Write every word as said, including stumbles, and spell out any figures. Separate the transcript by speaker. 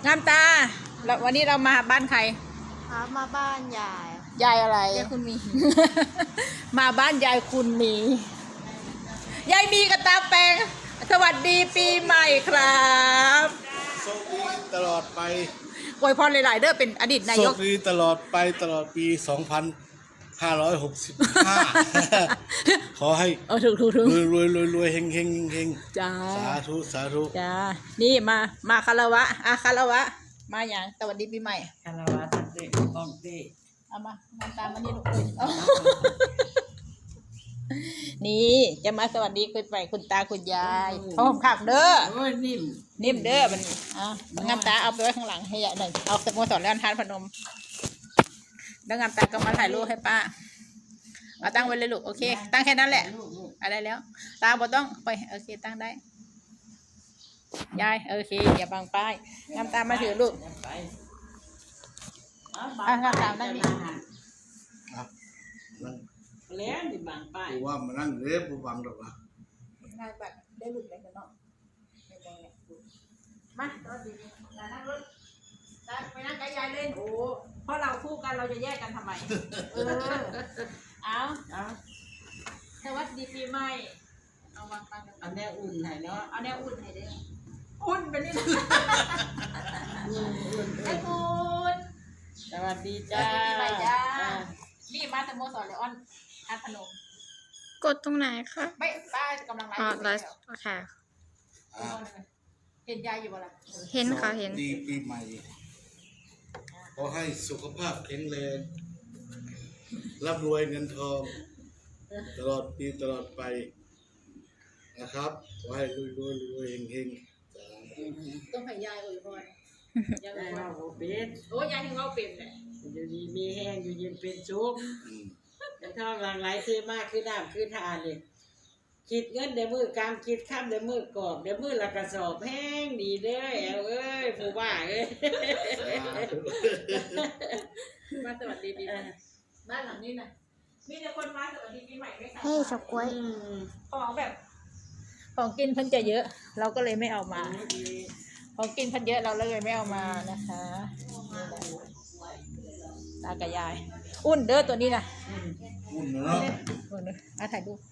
Speaker 1: งามตาแล้ววันนี้เรามาบ้านใคร
Speaker 2: ครับมาบ้านยาย
Speaker 1: ยายอะไร
Speaker 2: ยายคุณมี
Speaker 1: มาบ้านยายคุณมียายมีกับตาแปงสวัสดีปีใหม่ครับ
Speaker 3: โชคดีตลอดไป
Speaker 1: อวยพรหลายๆเด้อเป็นอดีตนายก
Speaker 3: โชคดีตลอดไปตลอดปี สองพันห้าร้อยหกสิบห้า ขอให้
Speaker 1: เออถูกถูกถูก
Speaker 3: รวยรวยรวยรวยเฮงเฮงเฮง
Speaker 1: จ้า
Speaker 3: สาธุสาธุ
Speaker 1: จ้านี่มามาคารวะอ่ะคารวะมาอย่างสวัสดีปีใหม่
Speaker 4: คารวะตัดเด็กของเด็ก
Speaker 1: เอามาทำตามมานี่ลูกเอ้ยนี่จะมาสวัสดีคุณไปคุณตาคุณยายพร้อมขับเด้อ
Speaker 4: โอ้ยนิ่ม
Speaker 1: นิ่มเด้อมันอ่ะงามตาเอาไปไว้ข้างหลังให้ยายหน่อยเอาสโมสรแล้วทานพนมแล้วงามตาก็มาถ่ายรูปให้ป้าเอาตั้งไว้เลยลูกโอเคตั้งแค่นั้นแหละอะไรแล้วตาบ่ต้องไปโอเคตั้งได้ยายโอเคอย่าบังป้ายงามตามาถือลูกอ่ะงามตานั่งนี่
Speaker 3: ครับนั่ง
Speaker 4: แล้วนี่บางป้าย
Speaker 3: กูว่ามานั่งเรียบกูบังหรอกนะ
Speaker 1: ง่ายแบบได้หลุดเลยกันเนาะมาตอนดีๆนั่งรถไปนั่งกับยายเล่นโอ้เพราะเราคู่กันเราจะแยกกันทำไมเออเอาเอาสวัสดีปีใหม่เอาวางปังกัน
Speaker 4: อันนี้อุ่นให้เนาะ
Speaker 1: เอาแนวอุ่นให้เด้ออุ่นไปนี่นะไอ้อุ่น
Speaker 4: สวัสดีจ้า
Speaker 1: ปีใหม่จ้านี่มาสโมสรเลออนทัดพนม
Speaker 2: กดตรงไหนคะ
Speaker 1: ไม่ป้ากำลังไล
Speaker 2: อ๋อ
Speaker 1: ฟ์
Speaker 2: ไลฟ์โอเค
Speaker 3: อ่า
Speaker 1: เห็นยายอยู่บ่ล่ะ
Speaker 2: เห็นค่ะเห็น
Speaker 3: สวัสดีปีใหม่ขอให้สุขภาพแข็งแรงร่ำรวยเงินทอง ตลอดปีตลอดไปนะครับขอให้รวยรวยรวยเฮงเฮง
Speaker 1: ต้องให้ยายอวยพรยายอ
Speaker 4: ได้
Speaker 1: วยพ
Speaker 4: เรา
Speaker 1: ร
Speaker 4: โอเป็ด
Speaker 1: โอ้ยายถึงเราเป็นเลย
Speaker 4: อยู่ดีมีแห้งอยู่เย็นเป็นสุข
Speaker 3: อืม
Speaker 4: แต่ถ้าหลังไหลซื้อมากคือน้ำคือทานเลยคิดเงินเดี๋ยวมือกลางคิดข้ามเดี๋ยวมือกรอบเดี๋ยวมือละกระสอบแห้งดีเด้อแอวเอ้ยผู้บ้าเอ้ย
Speaker 3: สาธุ
Speaker 1: มาสวัสดีปีใหม่บ้านหลังนี้นะมีแต่คนมาสวัสดีปีใหม่ไม่ใช่
Speaker 2: ให้ช็อกโกแลต
Speaker 4: อืม
Speaker 1: ของแบบ ของกินเพิ่นจะเยอะ เราก็เลยไม่เอามา ของกินเพิ่นเยอะเราเลยไม่เอามานะคะตากับยาย อุ่นเด้อตัวนี้นะ
Speaker 3: อุ่นเนาะ
Speaker 1: อุ่นเด้ออ่ะถ่ายรูป